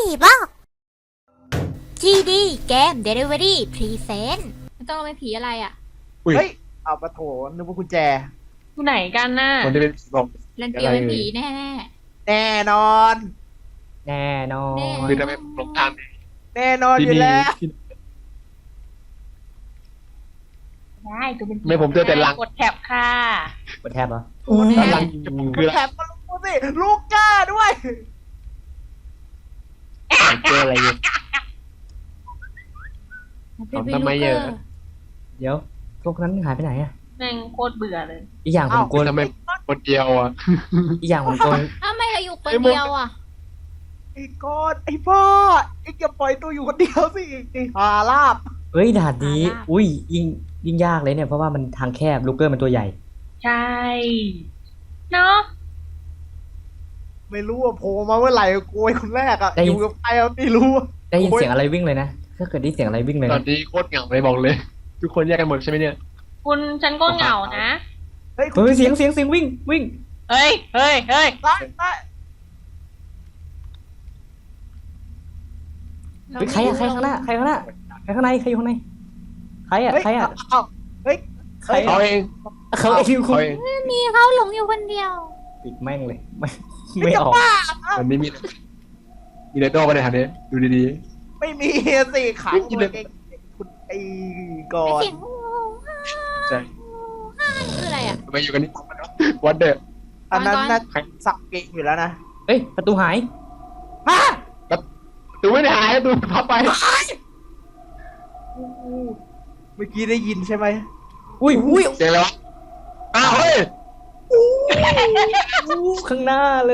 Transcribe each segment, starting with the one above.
ผีบอก GD เกม Delivery Present มันต้องเป็นผีอะไรอ่ะเฮ้ยเอาปะโถนึกว่ากุญแจอยู่ไหนกันน่ะคนที่เป็นผีบอกเล่นเปียวเป็นผีแน่แน่นอนแน่นอนคือทำไมหลงทางแน่นอนอยู่แล้วที่ได้ตัวเป็นผีไม่ผมเจอแต่หลังกดแท็บค่ะกดแทบเหรอโอ้โหด้านหลังคืออะไรแถมก็รู้สิลูกก้าด้วยเจออะไรอยู่ๆเป็นทำไมเยอะเดี๋ยวพวกนั้นหายไปไหนอ่ะแม่งโคตรเบื่อเลยอีกอย่างผมกลัวทำไมคนเดียวอ่ะอีกอย่างผมกลัวอ้าวไม่เราอยู่คนเดียวอ่ะไอ้ก้อนไอ้พ่อไอ้อย่าปล่อยตัวอยู่คนเดียวสิไอ้หาลาบเฮ้ยด่านนี้ อุ้ยยิ่งยากเลยเนี่ยเพราะว่ามันทางแคบลูกเกอร์มันตัวใหญ่ใช่เนาะไม่รู้ว่าโผล่มาเมื่อไหร่โกยคนแรกอ่ะอยู่กับใครอะไม่รู้อะได้ยินเสียงอะไรวิ่งเลยนะถ้าเกิดได้ยินเสียงอะไรวิ่งเลยตอนนะนี้โคตรเหงาเลยบอกเลย ทุกคนแยกกันหมดใช่ไหมเนี่ยคุณฉันก็เหงานะเฮ้ยเฮ้ยเสียงวิ่งเฮ้ยเฮ้ยเฮ้ยได้ได้เฮ้ยใครอะใครข้างหน้าใครข้างหน้าใครข้างในใครอยู่ข้างในใครอะเฮ้ยใครอะเอาเฮ้ยใครเขาอะเองเขาไอ้ที่คุเขาณเองมีเขาหลงอยู่คนเดียวปิดแม่งเลยไม่ไม่ไม่จะออกบ้าวันนี้มีเลโต้ไปในทางนี้ดูดีไม่มีสิขังตัวเองคุณไอ้ก่อไอ้นเสียงๆใช่คืออะไรอ่ะทำไมอยู่กันนี่วัดเดอร์อันนั้นน่าใครสับเกงอยู่แล้วนะเอ้ยประตูหายฮะดูไม่ได้หายดูพับไปเมื่อกี้ได้ยินใช่ไหมอุ้ยเสียงอะไรวะอ้าวเฮ้ยข้างหน้าเลย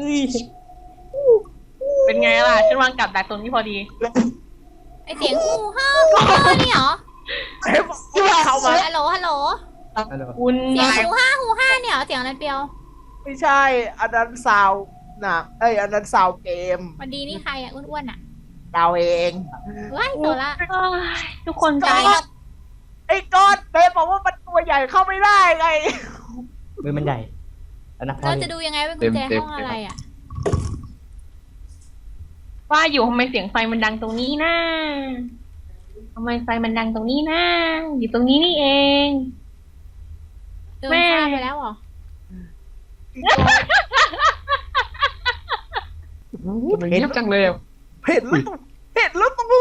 เป็นไงล่ะฉันวางกับดักตรงนี้พอดีไอ้เสียงฮูฮ่านี่เหรอเฮ้ยบอกว่าเข้ามาฮัลโหลฮัลโหลคุณเสียงฮูฮ่าเนี่ยเหรอเสียงนั้นเปียวไม่ใช่ อันนั้นซาวหนักอันนั้นซาวเกมวันดีนี่ใครอ่ะอ้วนๆอ่ะเราเองว้ายโซล่าเอ้ยทุกคนใจไอ้ก้อนเบสบอกว่ามันตัวใหญ่เข้าไม่ได้ไงมือมันใหญ่แล้วนะพ่อเราจะนี่ดูยังไงว่ากุญแจห้องอะไรอ่ะว่าอยู่ทำไมเสียงไฟมันดังตรงนี้นะทำไมไฟมันดังตรงนี้นะอยู่ตรงนี้นี่เองเดินข้ามไปแล้วเหรอทำไมเงียบจังเลยอ่ะเห็นแล้วตู้เห็นแล้วตู้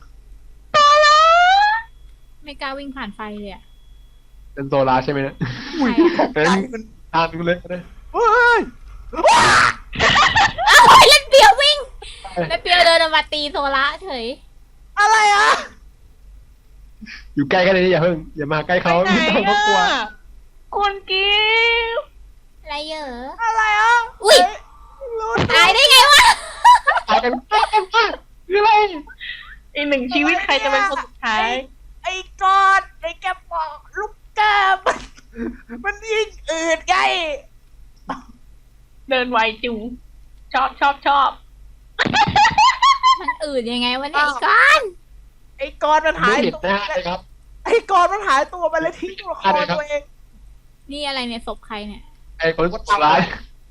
ไม่กล้าวิ่งผ่านไฟเลยอ่ะเป็นโซลาร์ใช่ไหมเนี่ยใครเป็นใจมันทางนึงเลยก็ได้เฮ้ยอ้าวเล่นเปียววิ่งแล้วเปียวเดินมาตีโซล่าเฉยอะไรอ่ะอยู่ใกล้กันเลยอย่าเพิ่งอย่ามาใกล้เขาไปไหนไม่ต้องเขากลัวอะคุณกิฟต์อะไรเหรออะไรอ่ะอุ๊ยรู้ตายได้ไงวะตายกันคืออะไรอีกหนึ่งชีวิตใครจะเป็นคนสุดท้ายไอ้ก้อนไอ้แกบอกลูกแกมันยิ่งอืดไงเดินไวจุงชอบมันอื่นยังไงวะเนี่ยไอ้ก้อนไอ้ก้อนมันหาไม่ยเห็นตัวหน้าเลยครับไอ้ก้อนมันหายตัวไปเลยทิ้งตัวละครตัวเองนี่อะไรเนี่ยศพใครเนี่ยไอ้คนโซลาร์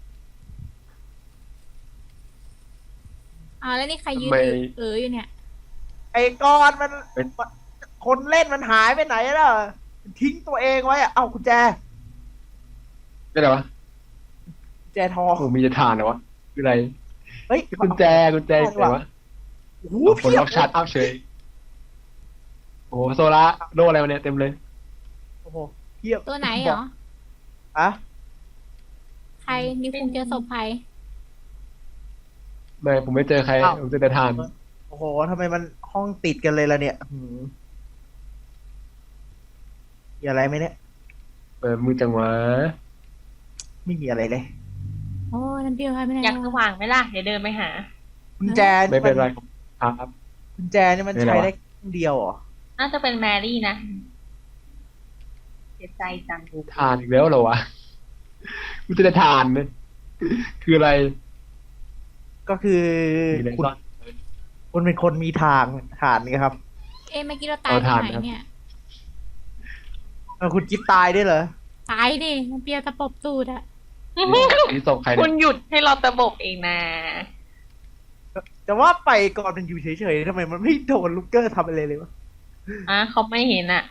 อ้าวแล้วนี่ใครยืนทำไมอยู่เนี่ยไอ้ก้อนมันเป็นคนเล่นมันหายไปไหนแล้วทิ้งตัวเองไว้อะเอ้ากุญแจนี่อะไรวะกุญแจทองโอ้มีจะทานเหรอวะคืออะไรเฮ้ยกุญแจอะไรวะโอ้โหคนเพียล็บอกชาร์จอัพเฉยโอ้โหโซลาร์โลอะไรมาเนี่ยเต็มเลยโอ้โหเพียบตัวไหนเหรออะใครนี่คุณเจอศพใครไม่ผมไม่เจอใครผมเจอแต่ทานโอ้โหทำไมมันห้องติดกันเลยล่ะเนี่ยมีอะไรไหมเนี่ยมือจังหวะไม่มีอะไรเลยโอ้นั่นเปียวใครไม่ได้อยากสว่างไหมล่ะ เดี๋ยวเดินไปหากุญแจไม่เป็นไรครับกุญแจนี่มันไม่เป็นไรใช้วะได้ครั้งเดียวเหรอน่าจะเป็นแมรี่นะเสียใจจังทานอีกแล้วเหรอวะกูจะได้ทานเลยคืออะไรก็คือมีอะไรคุณซ่อนคุณเป็นคนมีทางฐานนี่ครับเอ๊ะเมื่อกี้เราตายตรงไหนเนี่ยคุณกิ๊บตายด้วยเหรอตายดิมันเปียวตะปบตูดอะนี่ศพใครคุเนี่ยณหยุดให้เราตะบกเองนะเอแต่ว่าไปก่อนมันอยู่เฉยๆทำไมมันไม่โดนลูกเกอร์ทำอะไรเลยวะเขาไม่เห็นอ่ะ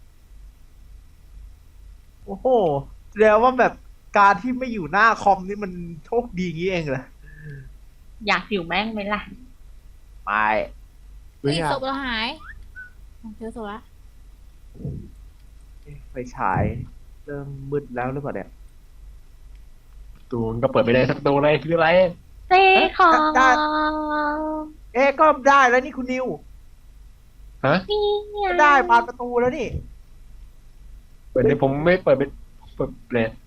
โอ้โหแล้วว่าแบบการที่ไม่อยู่หน้าคอมนี่มันโชคดีงี้เองเหรออยากอยู่แม่งไหมล่ะไม่เฮ้ยศพเราหายเจอศพละไฟฉายเริ่มมืดแล้วหรือเปล่าเนี่ยตัวมันก็เปิดไม่ได้สักตัวเลยคืออะไรเซ่ของก็ได้แล้วนี่คุณนิวฮะก็ได้ผ่านประตูแล้วนี่เปิดเลยผมไม่เปิดเป็นเปิดเปลด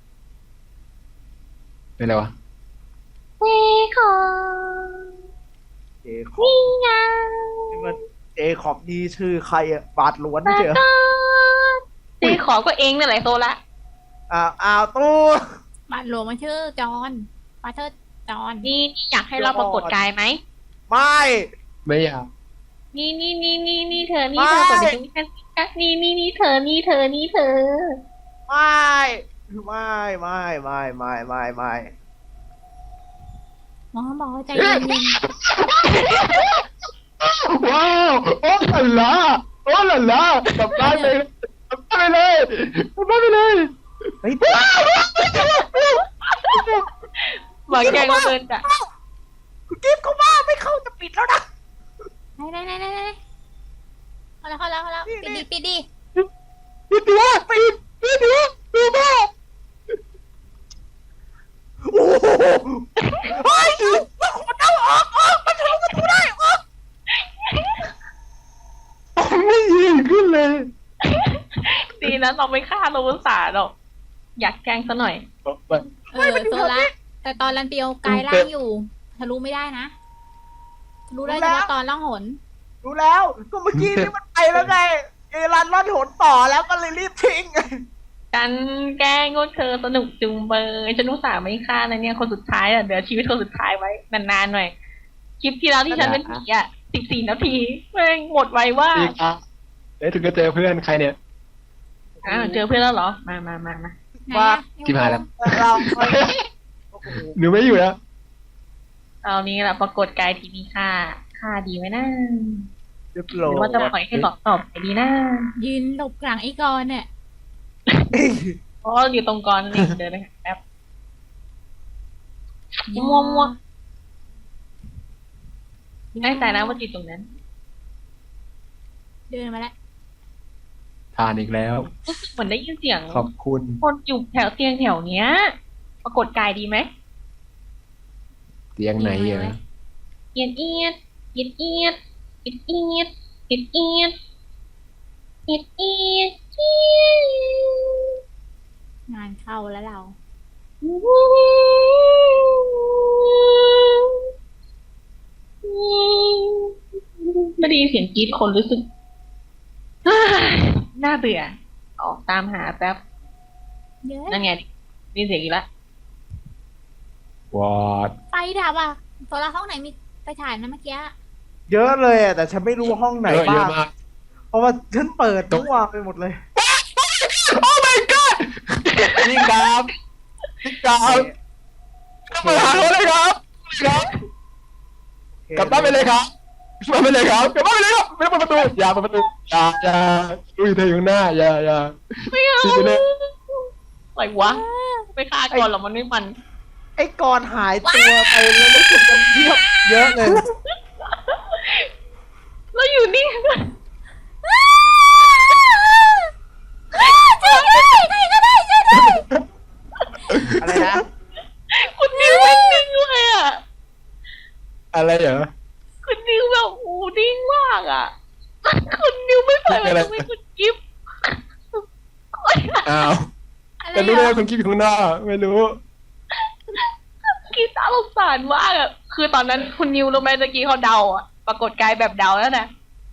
เป็นอะไรวะเซ่ของเจคอบนี่มันเจคอบนี่ชื่อใครอะบาทหลวนไม่ใช่เหรอเซ่ของก็เองนั่นแหละโซละอ้าวตู้บ้านหลวงมันชื่อจอห์นปาเทอร์จอห์นนี่อยากให้เราปรากฏกายไหมไม่ไม่อยากนี่เธอนี่เธอเปิดดูนี่นี่เธอนี่เธอนี่เธอไม่หมอบอกว่าใจเย็นว้าวโอ้หล่ะล่ะโอ้หล่ะล่ะกลับบ้านไปกลับบ้านไปเลยกลับบ้านไปเลยเฮ้ยหมาแกงมาเบิร์นจ้ะคุณกิฟต์เขาว่าไม่เข้าจะปิดแล้วนะๆไหนเข้าแล้วปิดดิปิดตัวปิดตัวปิดตัวโอ้โหเฮ้ยมันเอาออกมันทะลุประตูได้ออกไม่ยิงขึ้นเลยดีนะเราไม่ฆ่าโรบสาหรอกอยากแกล้งซะหน่อยโซละแต่ตอนรันเปียวกายร่างอยู่ทะลุไม่ได้นะทะลุได้เฉพาะตอนล่องหนรู้แล้วก็เมื่อกี้นี่มันไปแล้วไงเอรันล่อนหนต่อแล้วก็เลยรีบทิ้งกันแกล้งก็เธอสนุกจุงเบยฉันอุตส่าห์ไม่ฆ่านะเนี่ยคนสุดท้ายอ่ะเดี๋ยวชีวิตคนสุดท้ายไว้นานๆหน่อยคลิปที่แล้วที่ฉันเป็นผีอ่ะ14 นาทีแม่งหมดไวว่าอีกอ่ะเดี๋ยวถึงจะเจอเพื่อนใครเนี่ยเจอเพื่อนแล้วเหรอมาไหนว่าอะที่ผ่านแล้วเราโอ้โหหนูไม่อยู่แล้วเอานี้แหละปรากฏกายทีมีค่าดีไหมนะเรียบหร้อรือว่าจะปล่อยให้ตอบไปดีนะยืนหลบกลางไอ้กรเนี่ยยเพราะอยู่ตรงกรนั่นเองเดินไปหาแป๊บมัวแน่ใจนะว่าจิตตรงนั้นเดินมาแล้วทานอีกแล้วรู้สึกเหมือนได้ยินเสียงขอบคุณคนอยู่แถวเตียงแถวเนี้ย ปรากฏกายดีไหมเตียงไหนเหรอเอียดเอียดเอียดเอียดเอียดเอียดเอียดเอียดเอียดเอียดเอียดงานเข้าแล้วเราไม่ได้ยินเสียงกรี๊ดคนรู้สึกน่าเบื่อ ออกตามหาแป๊บเยอะนั่นไงนี่เสียงอีกแล้ววอดไฟดับอ่ะโซละห้องไหนมีไฟฉายนะเมื่อกี้เยอะเลยอะแต่ฉันไม่รู้ว่าห้องไหนเยบ้าอะงมากเพราะว่าฉันเปิดทั่วไปหมดเลยโอ้ my god นี่ครับนี่ครับกลับมาหาเขาเลยครับกลับบ้านไปเลยครับกลับบ้านไปเลยครับกลับบ้านไปเลยครับไม่ต้องเปิดประตูอย่าเปิดประตูอย่าลุยเธออยู่ข้างหน้าอย่าไม่เอาชิบไปเลยอะไรวะไม่ฆ่าก่อนหรอมันไม่มันไอ้กรหายตัวไปแล้วรู้สึกมันเยอะเลยแล้วอยู่นี่อะไรนะคุณนิวแม่งนิ่งเลยอ่ะอะไรเหรอคุณนิวแบบโอ้นิ่งมากอ่ะ คุณนิวไม่ปล่อยมันไม่คุณกิฟต์อ้าวอะไรแต่รู้เหได้รอว่าคุณคิดอยู่ข้างหน้าไม่รู้กีตาร์สงสารมากอ่ะ คือตอนนั้นคุณนิวรู้ไหมตะกี้เขาเดาอ่ะ ปรากฏกายแบบเดาแล้วนะ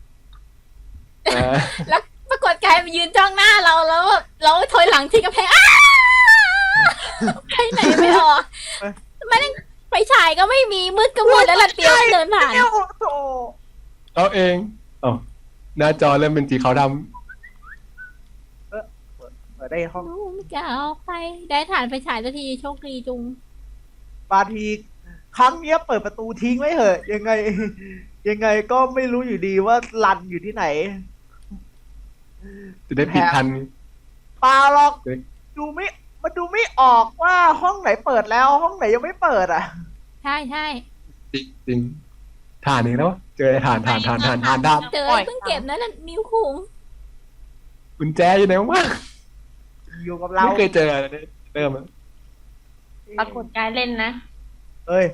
แล้วปรากฏกายมายืนจ้องหน้าเราแล้วเราถอยหลังที่กระแพงอ้าไปไหนไม่ออกไม่ได้ไฟฉายก็ไม่มีมืดก็มืดแล้วลันเปียวเดินผ่านเอ้าโธ่เราเองอ๋อหน้าจอเริ่มเป็นสีขาวดเปิดได้ห้องไม่กล้าออกไปได้ฐานไฟฉายสักทีโชคดีจุงบางทีครั้งเนี้ยเปิดประตูทิ้งไว้เถอะ ยังไง ยังไงก็ไม่รู้อยู่ดีว่ารันอยู่ที่ไหนจะได้ปิดทันเปล่าหรอกเฮ้ยมันดูไม่ออกว่าห้องไหนเปิดแล้วห้องไหนยังไม่เปิดอ่ะใช่ใช่จริงฐานหนึ่งแล้วเจอฐานด้านเจอเพิ่งเก็บนั่นน่ะนิ้วคุงกุญแจอยู่ไหนวะอยู่กับเราไม่เคยเจอเลยเริ่มอะปรากฏกายเล่นนะเอ้ย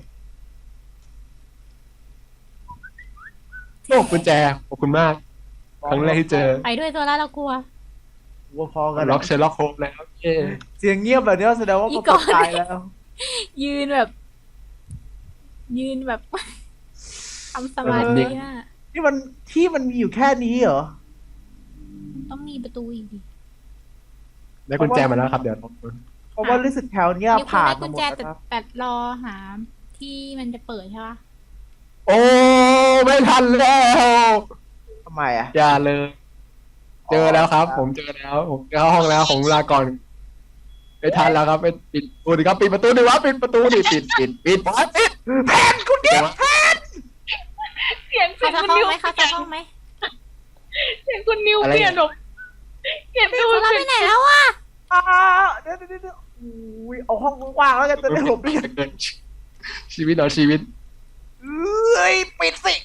โอ้กุญแจขอบคุณมาก ครั้งแรกที่เจอไปด้วยตัวละเรากลัววัวพอกันล็อกเชอร์ล็อกโฮมแล้วเย้เสียงเงียบแบบนี้แสดงว่าอีมันกก่อนตายแล้วยืนแบบ ยืนแบบ ทำสมาธิน่ะนี่มันที่มันมีอยู่แค่นี้เหรอต้องมีประตูอีกดิได้กุญแจมาแล้วครับเดี๋ยวเพราะว่ารู้สึกแถวเนี้ยนิ้วคุงผ่านได้กุมาญหมดแจแล้วครับแต่รอหาที่มันจะเปิดใช่ปะโอ้ไม่ทันแล้วทำไมอ่ะอย่าเลย เจอแล้วครับ ผมเจอแล้วผมเข้าห้องแล้วของลาก่อนไม่ทันแล้วครับไปปิดประตูดิครับปิดประตูดิวะปิดประตูดิปิดบอสปิดแพนคุณเนี่ยเสียงเขาจะคุณห้องนิวไหมเขาจะห้องไหมเสียงคุณนิวเปลี่ยนหรอกเปลี่ยนดูเราไปไหนแล้ววะเดี๋ยวอุ้ยเอาห้องว่างๆแล้วกันจะได้หลบได้ชีวิตเหรอชีวิตเอ้ยปิดสิ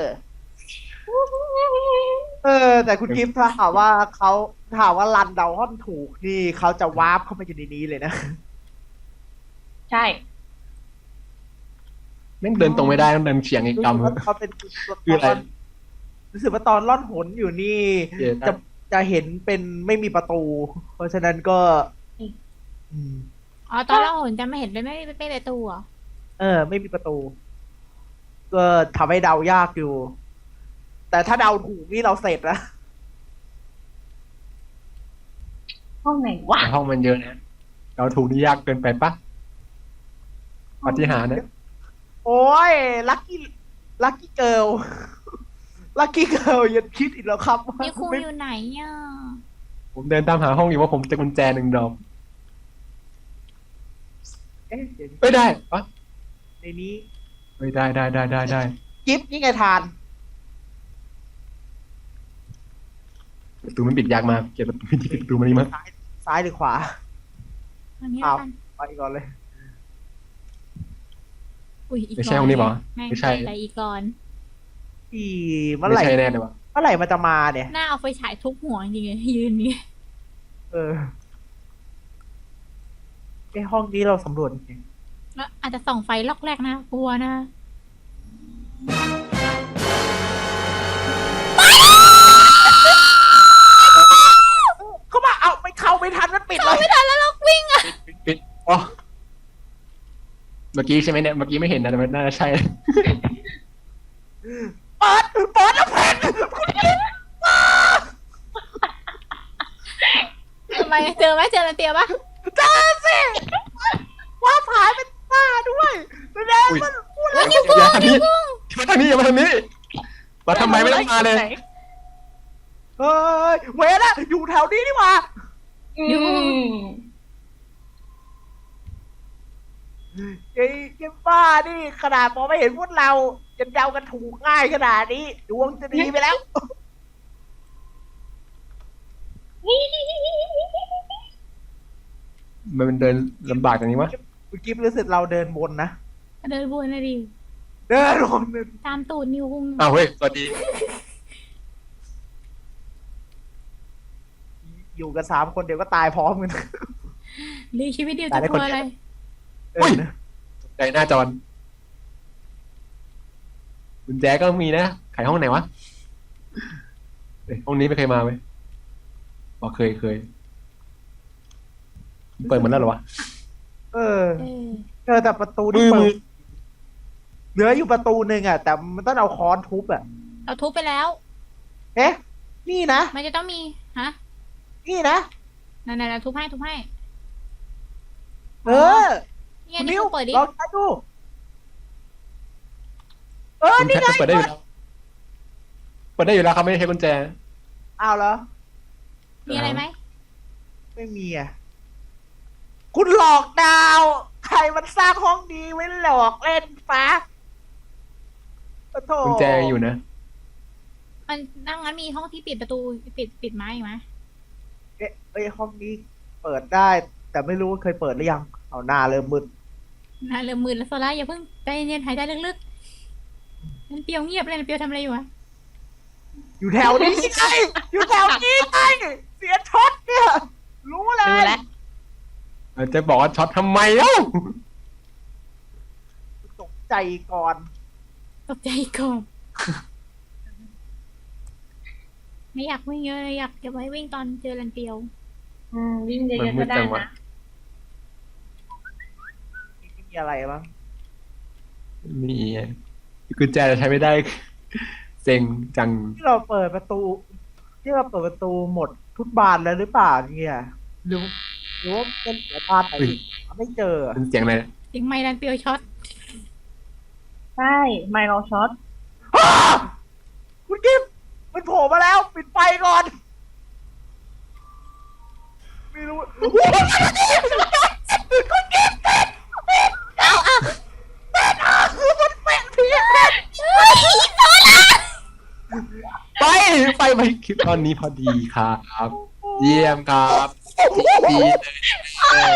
แต่คุณกิฟต์ถ้าถามว่ารันเดาห้อนถูกนี่เขาจะวาร์ปเข้ามาอยู่ในนี้เลยนะใช่แม่งเดินตรงไม่ได้ต้องเดินเฉียงอีกกำเขาเป็นคืออะไรรู้สึกว่าตอนล่อนหนอยู่นี่เย้จะเห็นเป็นไม่มีประตู เพราะฉะนั้นก็ อืมอ๋อตอนเราเห็นจะไม่เห็นเลยไม่ประตูเหรอไม่มีประตู ก็ทำให้เดายากอยู่ แต่ถ้าเดาถูกนี่เราเสร็จแล้วห้องไหนวะห้องมันเยอะนะเราถูกนี่ยากเกินไปปะปฏิหารย์นะโอ้ยลัคกี้เกิลลัคกี้เกิลยังคิดอีกแล้วครับว่านิ้วคุงไม่อยู่ไหนอ่ะผมเดินตามหาห้องอยู่ว่าผมจะกุญแจหนึ่งดอกเอ๊ะเดี๋ยวไม่ได้ปะในนี้ไม่ได้กิฟต์นี่ไงทานประตูมันปิดยากมากเกลียดประตูมันนี่มากซ้ายหรือขวาอันนี้อ้าวกันไปก่อนเลยอุ้ยอีกไม่ใช่ห้องนี้ปะแม่งไม่ใช่อะไรอีกก่อนเมื่อไม่ไหร่ใช่แน่เลยวะเมื่อไหร่มันจะมาเนี่ยหน้าเอาไฟฉายทุบหัวจริงๆเลยยืนนี่ห้องนี้เราสำรวจจริงแล้วอาจจะส่องไฟล็อกแรกนะกลัวนะเข้ามาเอาไม่เข้าไม่ทันมันปิดเลยไม่ทันแล้วเราวิ่งอ่ะปิดอ๋อเมื่อกี้ใช่ไหมเนี่ยเมื่อกี้ไม่เห็นนะแต่มันน่าจะใช่เปิดแล้วแผ่นคุณกิฟต์ทำไมเจอไหมเจอนาเตียปะเจอสิว่าผายเป็นตาด้วยแสดงอุ๊ยมันพูดแล้วนิ้วคุงอย่าทางนิ้นี้วคุงมาทางนี้อย่ามาทางนี้มาทำไมไม่ต้องมาเลยเฮ้ยเวรอะอยู่แถวนี้นี่หว่าอืมไอ้เจ้าบ้านี่ขนาดมองไม่เห็นพวกเราจะเดากันถูกง่ายขนาดนี้ดวงจะดีไปแล้วมันเดินลำบากอย่างนี้วะเมื่อกี้รู้สึกเราเดินวนนะเดินวนนะดิเดินวนตามตูดนิ้วคุงอ้าวเฮ้ยสวัสดีอยู่กัน3 คนเดี๋ยวก็ตายพร้อมกันหรือชีวิตเดียวจะกลัวอะไรอุ้ยใจหน้าจอนกุญแจก็มีนะไขห้องไหนวะเอ้ยห้องนี้ไม่เคยมาไหมอ๋อเคยเปิดหมดแล้วเหรอวะเออเออแต่ประตูมืที่อเปิมือดเหลืออยู่ประตูหนึ่งอ่ะ แต่มันต้องเอาค้อนทุบอ่ะเราทุบไปแล้วเอ๊ะ นี่นะมันจะต้องมีฮะนี่นะนั่นๆเราทุบให้เออนี่ไงคุณนี่นิ้วเขาเปิดดิลองใช้ดูกุญนี่แจไงเปิดได้อยู่แล้วเปิดได้อยู่แล้วครับไม่ได้ใช้กุญแจอ้าวเหรอมีอะไรไหมไม่มีอ่ะ คุณหลอกดาวใครมันสร้างห้องนี้ไว้หลอกเล่นฟ้าโอ้โถกุญแจอยู่นะมันนั่งงั้นมีห้องที่ปิดประตูปิดไม้อีกไหมเอ้ยห้องนี้เปิดได้ แต่ไม่รู้ว่าเคยเปิดหรือยัง เอาหน้าเริ่มมึนน่าเริ่มมืดแล้วโซล่าอย่าเพิ่งใจเย็นๆหายใจลึกๆนั่นเปียวเงียบเลยนั่นเปียวทำอะไรอยู่วะอยู่แถวนี้ไงอยู่แถวนี้ไงเสียช็อตเนี่ย รู้เลดูยแลวจะบอกว่าช็อตทำไมเล่าตกใจก่อนตกใจก่อนไม่อยากวิ่งเยอะเลยอยากเก็บไว้วิ่งตอนเจอรันเปียววิ่งเยอะๆก็ได้นะไม่มีอะไรบ้างมีกุญแจใช้ไม่ได้ เซ็งจังที่เราเปิดประตูหมดทุกบานแล้วหรือเปล่าเนี่ยหรือว่าเป็นเหลือบานไหนที่หาไม่เจอเป็นเสียงอะไรเสียงไม้รันเปียวช็อตใช่ไมโลช็อตอ้าคุณกิฟต์มันโผล่มาแล้วปิดไฟก่อน ไม่รู้โอ้โหคุณกิฟต์คือมันเป็นผีไปคลิปตอนนี้พอดีครับ เยี่ยมครับดีเลย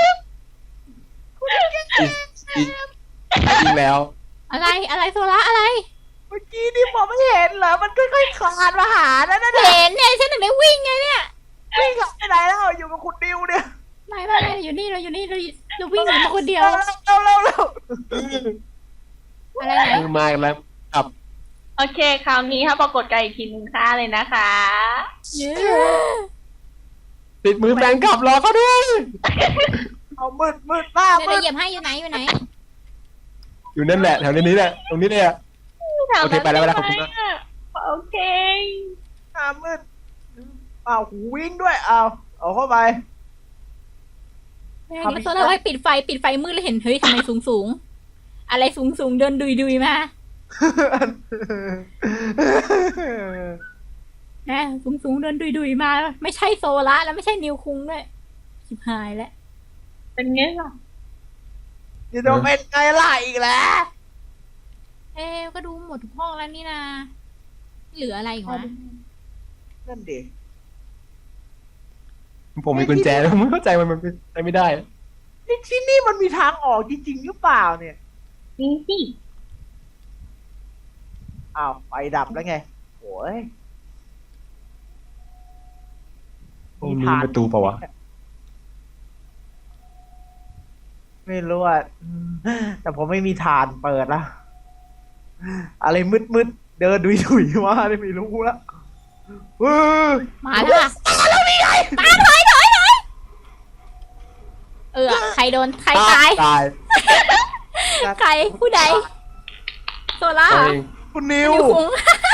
อีกแล้วอะไรโซล่าอะไรเมื่อกี้นี่ผมไม่เห็นเหรอ มันค่อยๆคลานมาหานั่นน่ะเห็นเนี่ยฉันถึงได้วิ่งไงเนี่ยวิ่งกลับไปไหนแล้วอยู่กับคุณดิวเนี่ยไม่อยู่นี่เราวิ่งหนีมาคนเดียวเร็วอะไรไหนมือมาอีกแล้วกับโอเค คราวนี้ถ้าปรากฏกายอีกทีนึงค่าเลยนะคะเย้ติดมือแฟนกลับรอเขาด้วยเอามืดมากเดี๋ยวมืเราดเหยียบให้อยู่ไหนอยู่นั่นแหละแถวนี้แหละตรงนี้เลยอะ โอเคไปแล้วขอบคุณมากโอเคมืดเอาหูวิ่งด้วยเอาเข้าไปโซล่าไว้ปิดไฟมืดแล้วเห็นเฮ้ยทำไมสูงอะไรสูงเดินดุยมาสูงเดินดุยมาไม่ใช่โซล่าแล้วไม่ใช่นิวคุงด้วยชิบหายแล้วเป็นไงล่ะจะโดนเป็นไงล่ะอีกแล้วก็ดูหมดทุกห้องแล้วนี่นะเหลืออะไรอีกวะนั่นดิผมมีกุญแจแล้วไม่เข้าใจมันเป็นไปไม่ได้นี่ที่นี่มันมีทางออกจริงๆหรือเปล่าเนี่ยจริงสิไฟดับแล้วไงโอ้ยตรงนี้ประตูเปล่าวะไม่รู้อ่ะแต่ผมไม่มีฐานเปิดละอะไรมืดเดินดุยมาไม่รู้ละมาแล้วอะมาถอยใครโดนใครตายตายใครผู้ใดโซล่าตัวเองคุณนิวนิวคุง